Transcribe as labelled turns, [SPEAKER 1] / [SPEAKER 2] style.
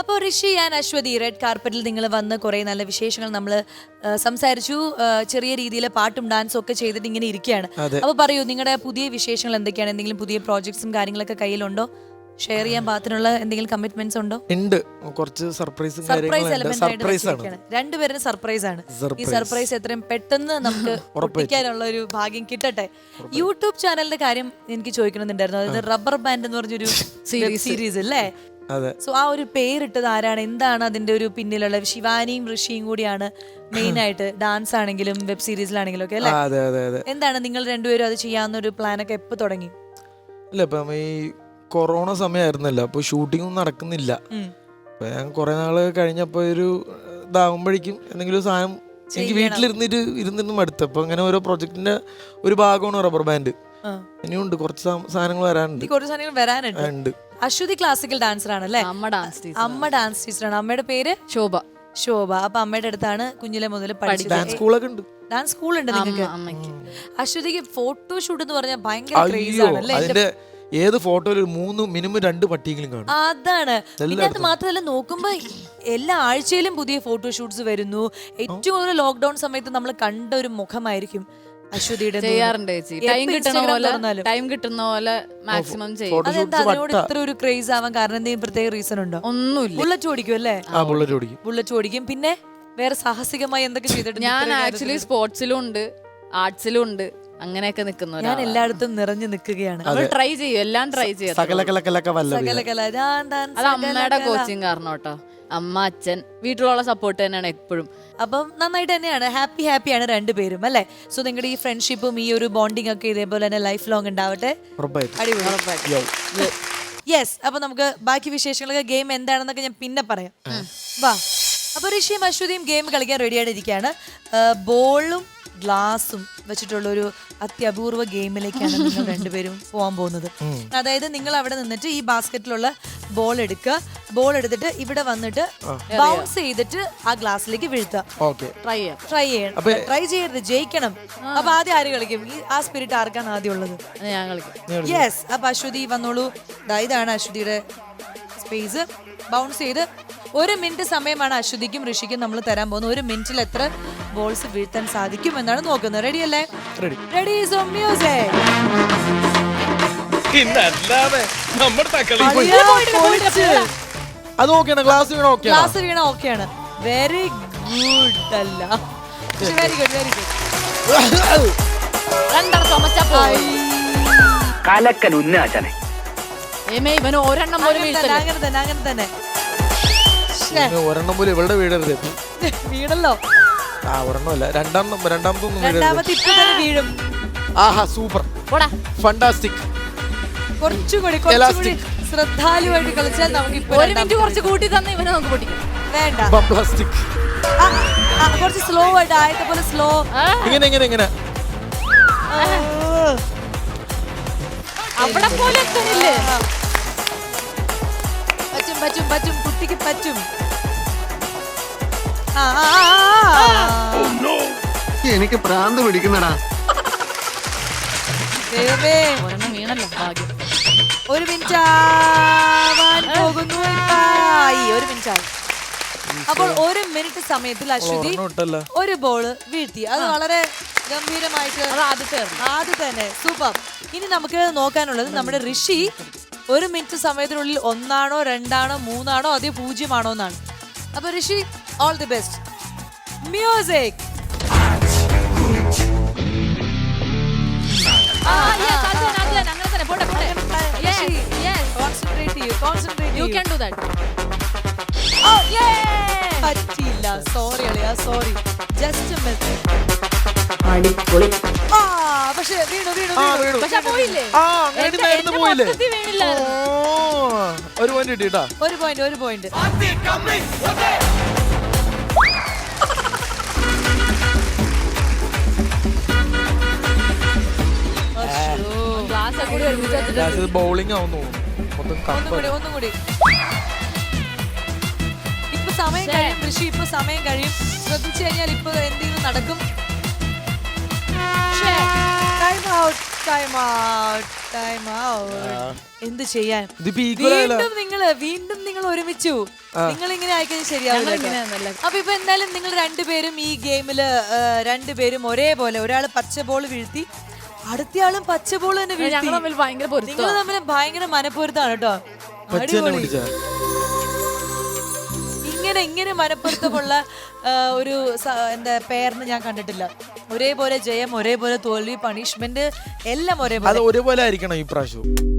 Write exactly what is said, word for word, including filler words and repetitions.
[SPEAKER 1] അപ്പോൾ Rishi and Aswathi red കാർപ്പറ്റിൽ നിങ്ങൾ വന്ന് കുറേ നല്ല വിശേഷങ്ങൾ നമ്മൾ സംസാരിച്ചു. ചെറിയ രീതിയിൽ പാട്ടും ഡാൻസും ഒക്കെ ചെയ്തിട്ട് ഇങ്ങനെ ഇരിക്കുകയാണ്. അപ്പോൾ പറയൂ, നിങ്ങളുടെ പുതിയ വിശേഷങ്ങൾ എന്തൊക്കെയാണ്? എന്തെങ്കിലും പുതിയ പ്രോജക്ട്സും കാര്യങ്ങളൊക്കെ കയ്യിലുണ്ടോ? ഷെയർ ചെയ്യാൻ പാകത്തിനുള്ള എന്തെങ്കിലും കമ്മിറ്റ്മെന്റ്സ് ഉണ്ടോ?
[SPEAKER 2] ഉണ്ട്, കുറച്ച് സർപ്രൈസും
[SPEAKER 1] സർപ്രൈസ് എലമെന്റ് ആയിട്ട് രണ്ടുപേരും സർപ്രൈസ് ആണ്. ഈ സർപ്രൈസ് എത്രയും പെട്ടെന്ന് നമുക്ക് ഒപ്പിക്കാനുള്ള ഒരു ഭാഗ്യം കിട്ടട്ടെ. യൂട്യൂബ് ചാനലിന്റെ കാര്യം എനിക്ക് ചോദിക്കണമെന്നുണ്ടായിരുന്നു. അതായത് റബ്ബർ ബാൻഡ് എന്ന് പറഞ്ഞൊരു സീരീസ് അല്ലേ? സോ ആ ഒരു പേരിട്ടത് ആരാണ്? എന്താണ് അതിന്റെ ഒരു പിന്നിലുള്ള? ശിവാനിയും ഋഷിയും കൂടിയാണ് മെയിൻ ആയിട്ട്. ഡാൻസ് ആണെങ്കിലും വെബ് സീരീസിലാണെങ്കിലും ഒക്കെ അല്ലേ? എന്താണ് നിങ്ങൾ രണ്ടുപേരും അത് ചെയ്യാവുന്ന ഒരു പ്ലാനൊക്കെ എപ്പോ തുടങ്ങി?
[SPEAKER 2] അല്ല, ഇപ്പം ഈ കൊറോണ സമയമായിരുന്നല്ലോ, അപ്പൊ ഷൂട്ടിംഗ് ഒന്നും നടക്കുന്നില്ല. അപ്പൊ ഞാൻ കുറെ നാള് കഴിഞ്ഞപ്പോ ഒരു ഇതാകുമ്പോഴേക്കും എന്തെങ്കിലും സാധനം എനിക്ക് വീട്ടിലിരുന്നിട്ട് ഇരുന്നിട്ട് മടുത്തു. അപ്പൊ അങ്ങനെ ഓരോ പ്രൊജക്ടിന്റെ ഒരു ഭാഗമാണ് റബ്ബർ ബാൻഡ്. ഇനിയുണ്ട് കുറച്ച് സാധനങ്ങൾ വരാനുണ്ട്.
[SPEAKER 1] കുറച്ച് സാധനങ്ങൾ വരാനുണ്ട്. അശ്വതി ക്ലാസിക്കൽ ഡാൻസർ ആണല്ലേ? അമ്മ ഡാൻസ് ടീച്ചറാണ്. അമ്മയുടെ പേര് ശോഭ. ശോഭ. അപ്പൊ അമ്മയുടെ അടുത്താണ് കുഞ്ഞിലെ മുതൽ പഠിച്ചത്.
[SPEAKER 2] ഡാൻസ് സ്കൂളൊക്കെ ഉണ്ട്.
[SPEAKER 1] ഡാൻസ് സ്കൂൾ ഉണ്ട് നിങ്ങൾക്ക്? അശ്വതിക്ക് ഫോട്ടോഷൂട്ട് എന്ന് പറഞ്ഞാൽ ഭയങ്കര ക്രേസ് ആണല്ലേ?
[SPEAKER 2] ഏത് ഫോട്ടോയിൽ മൂന്ന് മിനിമം രണ്ട് പട്ടിയെങ്കിലും കാണും.
[SPEAKER 1] അതാണ്. പിന്നെ അത് മാത്രമല്ല, നോക്കുമ്പോ എല്ലാ ആഴ്ചയിലും പുതിയ ഫോട്ടോഷൂട്ട്സ് വരുന്നു. ഏറ്റവും കൂടുതൽ ലോക്ക്ഡൌൺ സമയത്ത് നമ്മൾ കണ്ട ഒരു മുഖമായിരിക്കും അശ്വതിയുടെ.
[SPEAKER 3] ചെയ്യാറുണ്ട് ചേച്ചി, ടൈം കിട്ടുന്ന പോലെ ടൈം കിട്ടുന്ന പോലെ മാക്സിമം ചെയ്യും.
[SPEAKER 1] അതെന്താ അതിനോട് ഇത്ര ഒരു ക്രേസ് ആവാൻ കാരണം? എന്തെങ്കിലും പ്രത്യേക റീസൺ ഉണ്ടോ?
[SPEAKER 3] ഒന്നുമില്ല.
[SPEAKER 1] ബുള്ളറ്റ് ഓടിക്കും അല്ലേ?
[SPEAKER 2] ബുള്ളറ്റ് ഓടിക്കും.
[SPEAKER 1] ബുള്ളറ്റ് ഓടിക്കും. പിന്നെ വേറെ സാഹസികമായി എന്തൊക്കെ ചെയ്തിട്ടുണ്ട്?
[SPEAKER 3] ഞാൻ ആക്ച്വലി സ്പോർട്സിലും ഉണ്ട്, ആർട്സിലും ഉണ്ട്, അങ്ങനെയൊക്കെ നിൽക്കുന്നു.
[SPEAKER 1] ഞാൻ എല്ലായിടത്തും നിറഞ്ഞു നിൽക്കുകയാണ്.
[SPEAKER 3] ട്രൈ ചെയ്യും, എല്ലാം ട്രൈ ചെയ്യും. അത് അമ്മയുടെ കോച്ചിങ് കാരണം കേട്ടോ. അമ്മ, അച്ഛൻ, വീട്ടിലുള്ള സപ്പോർട്ട് തന്നെയാണ് എപ്പോഴും.
[SPEAKER 1] അപ്പം നന്നായിട്ട് തന്നെയാണ്. ഹാപ്പി ഹാപ്പിയാണ് രണ്ടുപേരും അല്ലേ? സോ നിങ്ങളുടെ ഈ ഫ്രണ്ട്ഷിപ്പും ഈ ഒരു ബോണ്ടിങ് ഒക്കെ ഇതേപോലെ തന്നെ ലൈഫ് ലോങ് ഉണ്ടാവട്ടെ. യെസ്. അപ്പൊ നമുക്ക് ബാക്കി വിശേഷങ്ങളൊക്കെ ഗെയിം എന്താണെന്നൊക്കെ ഞാൻ പിന്നെ പറയാം. വാ. അപ്പൊ ഋഷിയും അശ്വതിയും ഗെയിം കളിക്കാൻ റെഡിയായിട്ട് ഇരിക്കുകയാണ്. ബോളും ഗ്ലാസും വെച്ചിട്ടുള്ള ഒരു അത്യപൂർവ ഗെയിമിലേക്കാണ് നിങ്ങൾ രണ്ടുപേരും പോകാൻ പോകുന്നത്. അതായത് നിങ്ങൾ അവിടെ നിന്നിട്ട് ഈ ബാസ്ക്കറ്റിലുള്ള ബോൾ എടുക്കുക. ബോൾ എടുത്തിട്ട് ഇവിടെ വന്നിട്ട് ബൗൺസ് ചെയ്തിട്ട് ആ ഗ്ലാസ്സിലേക്ക് വീഴ്ത്തുക. ട്രൈ ട്രൈ ചെയ്യണം. ട്രൈ ചെയ്യരുത്, ജയിക്കണം. അപ്പൊ ആദ്യം ആര് കളിക്കും? ആ സ്പിരിറ്റ് ആർക്കാണ് ആദ്യം ഉള്ളത്?
[SPEAKER 3] ഞാൻ കളിക്കും.
[SPEAKER 1] യെസ്. അപ്പൊ അശ്വതി വന്നോളൂ. ഇതാണ് അശ്വതിയുടെ സ്പേസ്. ബൗൺസ് ചെയ്ത് ഒരു മിനിറ്റ് സമയമാണ് അശ്വതിക്കും ഋഷിക്കും നമ്മൾ തരാൻ പോകുന്നത്. ഒരു മിനിറ്റിൽ എത്ര ബോൾസ് വീഴ്ത്താൻ സാധിക്കും എന്നാണ് നോക്കുന്നത്. റെഡി അല്ലേ? റെഡി. So music. ഗ്ലാസ് വീണ ഓക്കെയാണ്. വെരി ഗുഡ് അല്ല, വെരി ഗുഡ് വെരി ഗുഡ്.
[SPEAKER 4] കലക്കൻ ഉന്നാചനെ
[SPEAKER 3] ഇവന് ഒരെണ്ണം പോലും
[SPEAKER 1] അങ്ങനെ തന്നെ അങ്ങനെ തന്നെ
[SPEAKER 2] ഒരെണ്ണം പോലും ഇവളുടെ വീടരുത്.
[SPEAKER 1] വീണല്ലോ.
[SPEAKER 2] ആ ഒരെണ്ണമല്ല, രണ്ടാം രണ്ടാമതൊന്നും
[SPEAKER 1] രണ്ടാമത്തെ ഇപ്പൊ തന്നെ വീഴും.
[SPEAKER 2] ആഹാ, സൂപ്പർ, ഫണ്ടാസ്റ്റിക്.
[SPEAKER 1] കുറച്ചുകൂടി കുറച്ചുകൂടി ശ്രദ്ധാലുവായിട്ട് കളിച്ചാൽ നമുക്ക് ഇപ്പൊ
[SPEAKER 3] ഒരു മിനിറ്റ് കുറച്ച് കൂട്ടി തന്നെ ഇവനെ നമുക്ക് പൊട്ടിക്കാം.
[SPEAKER 1] വേണ്ട,
[SPEAKER 2] പ്ലാസ്റ്റിക്.
[SPEAKER 1] കുറച്ച് സ്ലോ ആയിട്ട് ആയത്തെ പോലെ സ്ലോ.
[SPEAKER 2] ഇങ്ങനെ ഇങ്ങനെ ഇങ്ങനെ
[SPEAKER 3] അവിടെ പോലെ എത്തണില്ലേ?
[SPEAKER 1] പറ്റും പറ്റും പറ്റും, കുട്ടിക്ക് പറ്റും.
[SPEAKER 4] എനിക്ക് പ്രാന്ത് പിടിക്കുന്നടാ.
[SPEAKER 3] വീണല്ലോ, ഭാഗ്യം.
[SPEAKER 1] ഒരു മിനിറ്റ് ആവാൻ പോകുന്നു. ഒരു മിനിറ്റ് ആയി. അപ്പോൾ ഒരു മിനിറ്റ് സമയത്തിൽ അശ്വതി ഒരു ബോള് വീഴ്ത്തി. അത് വളരെ ഗംഭീരമായിട്ട് ആദ്യം തന്നെ സൂപ്പർ. ഇനി നമുക്ക് നോക്കാനുള്ളത് നമ്മുടെ ഋഷി ഒരു മിനിറ്റ് സമയത്തിനുള്ളിൽ ഒന്നാണോ രണ്ടാണോ മൂന്നാണോ അതേ പൂജ്യമാണോ എന്നാണ്. അപ്പൊ Rishi, all the best. Music. പറ്റില്ല, സോറി അളിയാ, സോറി. Just miss. പക്ഷെ വീണു വീണു
[SPEAKER 3] പോയില്ലേ?
[SPEAKER 2] ഒരു പോയിന്റ് കിട്ടിട്ടാ.
[SPEAKER 1] ഒരു പോയിന്റ് ഒരു പോയിന്റ്.
[SPEAKER 2] ബൗളിംഗ് ആവുന്നു.
[SPEAKER 1] ഒന്നുകൂടി ഒന്നുകൂടി. ഇപ്പൊ സമയം കഴിയും ഋഷി, ഇപ്പൊ സമയം കഴിയും. ശ്രദ്ധിച്ചു കഴിഞ്ഞാൽ ഇപ്പൊ എന്തെങ്കിലും നടക്കും. Time out. Time out time out എന്ത് ചെയ്യാൻ
[SPEAKER 2] ഇതിപ്പോ equal ആയല്ലോ.
[SPEAKER 1] വീണ്ടും നിങ്ങള് വീണ്ടും നിങ്ങൾ ഒരുമിച്ചു നിങ്ങൾ ഇങ്ങനെ ആയിക്കഴിഞ്ഞാൽ ശരിയാവില്ല
[SPEAKER 3] ഇങ്ങനെയാണല്ലേ.
[SPEAKER 1] അപ്പൊ ഇപ്പൊ എന്തായാലും നിങ്ങൾ രണ്ടുപേരും ഈ ഗെയിമില് രണ്ടുപേരും ഒരേപോലെ ഒരാള് പച്ച ബോൾ വീഴ്ത്തി അടുത്തയാളും പച്ച ബോൾ തന്നെ വീഴ്ത്തി
[SPEAKER 3] ഞങ്ങൾ തമ്മിൽ ഭയങ്കര
[SPEAKER 1] നിങ്ങൾ
[SPEAKER 3] പൊരുത്തം
[SPEAKER 1] തമ്മിൽ ഭയങ്കര മനപ്പൊരുത്താണ് കേട്ടോ
[SPEAKER 2] പച്ച തന്നെ
[SPEAKER 1] അടിപൊളി.
[SPEAKER 2] പിടിച്ചാ
[SPEAKER 1] ഇങ്ങനെ ഇങ്ങനെ മനപ്പൊരുത്തമുള്ള ആ, ഒരു സ- എന്താ പേരിന് ഞാൻ കണ്ടിട്ടില്ല. ഒരേപോലെ ജയം ഒരേപോലെ തോൽവി പണിഷ്മെന്റ് എല്ലാം
[SPEAKER 2] അത്
[SPEAKER 1] ഒരേപോലെ
[SPEAKER 2] ഒരേപോലെ ആയിരിക്കണം ഈ പ്രാവശ്യം.